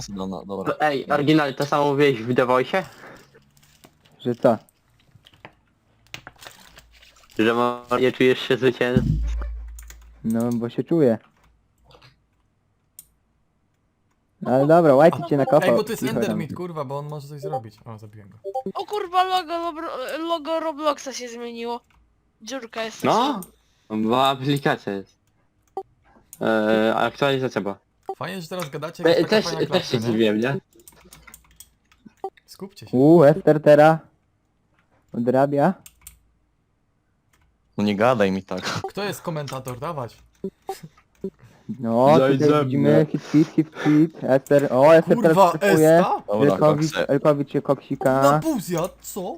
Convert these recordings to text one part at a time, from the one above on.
zwycięzcę, no dobra. Ej, oryginalnie to samo mówiłeś w The Voice? Że co? Że nie czujesz się zwycięzcą? No, bo się czuję. Ale dobra, Whitey cię nakopał. Ej, bo to jest Cicho tam. Endermit, kurwa, bo on może coś zrobić. O, zabiłem go. O kurwa, logo Robloxa się zmieniło. Dziurka jest. No, bo aplikacja jest. Aktualizacja była. Fajnie, że teraz gadacie, jak jest taka fajna Też klatka, się nie? dziwiłem, nie? Skupcie się. Ester teraz odrabia. No nie gadaj mi tak. Kto jest komentator? Dawać. No, Zajdź ze tutaj mnie. widzimy hit. Ester, o, Ester Kurwa, teraz typuje. Esta? Dobra, kokse. Elkowicz się Na koksika. pół zjadł, co?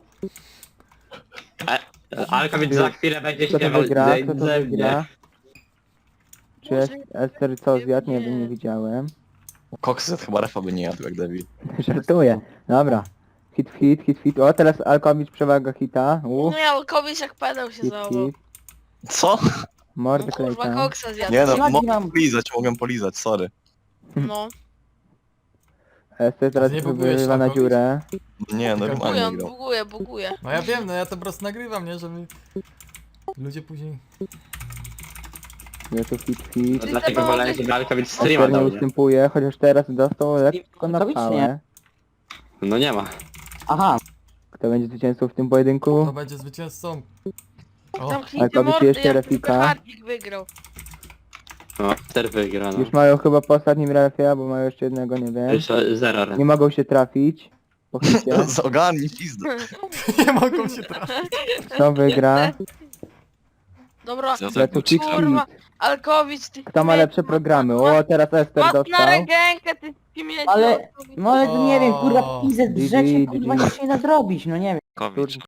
Alkowicz za chwilę będzie Kto to śpiewał wygra? ze Kto to mnie. wygra? Czy Ester co zjadł? Nie wiem, nie widziałem. Kokset chyba refa by nie jadł jak debil. Żartuję. Dobra. Hit. O, teraz Alkowicz przewaga hita. No miał kobiś jak pedał się Hit. załował. Co? Mordę No kurwa, klejka. koksa zjadł. Nie no, Flagi mogę mam. polizać, sorry. No. Ester teraz nie bugujesz, wyrywa na Alkowicz? dziurę. Nie, normalnie Buguję, grał. buguje. No ja wiem, no ja to po prostu nagrywam, nie? Żeby ludzie później... Jest tu hit. Dlatego wolałem, żeby Alkowicz streama Ester nie dał, nie? ustępuje, chociaż teraz dostał lekko na Alkowicz pałę. nie. No nie ma. Aha, Kto będzie zwycięzcą w tym pojedynku? Kto będzie zwycięzcą? O, Zamknijcie Alkowicz mordy, jeszcze jak refika. Hardzik wygrał. No, Ster wygra, no. Już mają chyba po ostatnim refie, bo mają jeszcze jednego, nie wiem. Jeszcze zero. Nie mogą się trafić. Po hicie. Ogarnij pizdę. nie mogą się trafić. Kto wygra? Dobra, Ja Za to hit. kurwa, Alkowicz, ty... Kto ma lepsze programy? O, teraz Ester Mat na dostał. rękę, ty śmieci. ale... No ale to nie wiem, kurwa, O. pizę GG, drzecie, kurwa, GG. nic nie da zrobić, no nie wiem. Kowicz.